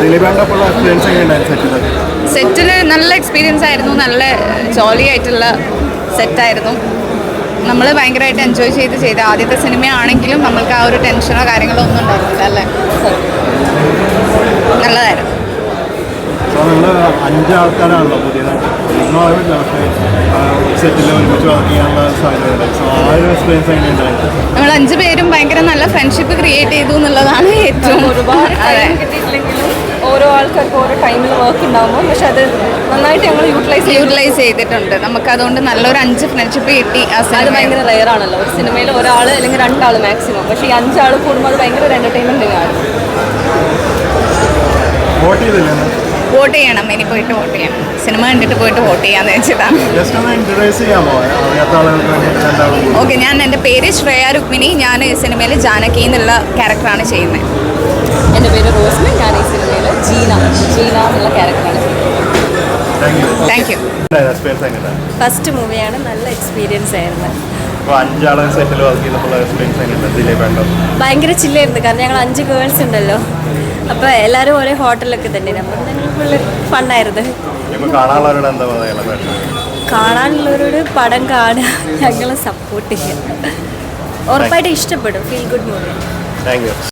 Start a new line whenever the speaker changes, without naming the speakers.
സെറ്റിൽ നല്ല എക്സ്പീരിയൻസ് ആയിരുന്നു, നല്ല ജോളി ആയിട്ടുള്ള സെറ്റായിരുന്നു. നമ്മൾ ഭയങ്കരമായിട്ട് എൻജോയ് ചെയ്ത് ആദ്യത്തെ സിനിമയാണെങ്കിലും നമ്മൾക്ക് ആ ഒരു ടെൻഷനോ കാര്യങ്ങളോ ഒന്നും ഉണ്ടായിരുന്നില്ല അല്ലേ. നല്ലതായിരുന്നു.
അഞ്ചാൾക്കാരാണല്ലോ പുതിയതായിട്ട്
നമ്മൾ 5 പേരും ഭയങ്കര നല്ല ഫ്രണ്ട്ഷിപ്പ് ക്രിയേറ്റ് ചെയ്തു എന്നുള്ളതാണ് ഏറ്റവും.
ഒരുപാട് ടൈം കിട്ടിയിട്ടില്ലെങ്കിലും ഓരോ ആൾക്കാർക്ക് ഓരോ ടൈമിൽ വർക്ക് ഉണ്ടാകുമ്പോൾ പക്ഷെ അത് നന്നായിട്ട് ഞങ്ങൾ
യൂട്ടിലൈസ് ചെയ്തിട്ടുണ്ട്. നമുക്ക് അതുകൊണ്ട് നല്ലൊരു 5 ഫ്രണ്ട്ഷിപ്പ് കിട്ടി.
അത് ഭയങ്കര റെയർ ആണല്ലോ ഒരു സിനിമയിൽ ഒരാൾ അല്ലെങ്കിൽ 2 ആൾ മാക്സിമം. പക്ഷേ ഈ 5 ആൾ കൂടുമ്പോൾ അത് ഭയങ്കര ഒരു എൻ്റർടൈൻമെൻറ്റ് ആണ്.
വോട്ട് ചെയ്യണം, ഇനി പോയിട്ട് വോട്ട് ചെയ്യണം. സിനിമ കണ്ടിട്ട് പോയിട്ട് വോട്ട് ചെയ്യാന്ന് വെച്ചതാണ്. ഓക്കെ, ഞാൻ എൻ്റെ പേര് ശ്രേയ രുക്മിണി. ഞാൻ ഈ സിനിമയിൽ ജാനകി എന്നുള്ള ക്യാരക്ടറാണ് ചെയ്യുന്നത്.
എൻ്റെ പേര് റോസ്മി. ഞാൻ ഈ സിനിമയിൽ ജീന എന്നുള്ള ക്യാരക്ടറാണ് ചെയ്യുന്നത്.
Thank you.
ഫസ്റ്റ് മൂവിയാണ്, നല്ല എക്സ്പീരിയൻസ് ആയിരുന്നു. ഭയങ്കര ചില്ലായിരുന്നു, കാരണം ഞങ്ങൾ 5 ഗേൾസ് ഉണ്ടല്ലോ. അപ്പോൾ എല്ലാവരും ഒരേ ഹോട്ടലൊക്കെ തന്നെ, അപ്പം ഞങ്ങൾ ഫുള്ള് ഫണ്ണായിരുന്നു. കാണാനുള്ളവരോട് പടം കാണുക, ഞങ്ങളെ സപ്പോർട്ട് ചെയ്യുക. ഉറപ്പായിട്ട് ഇഷ്ടപ്പെടും. Feel good movie.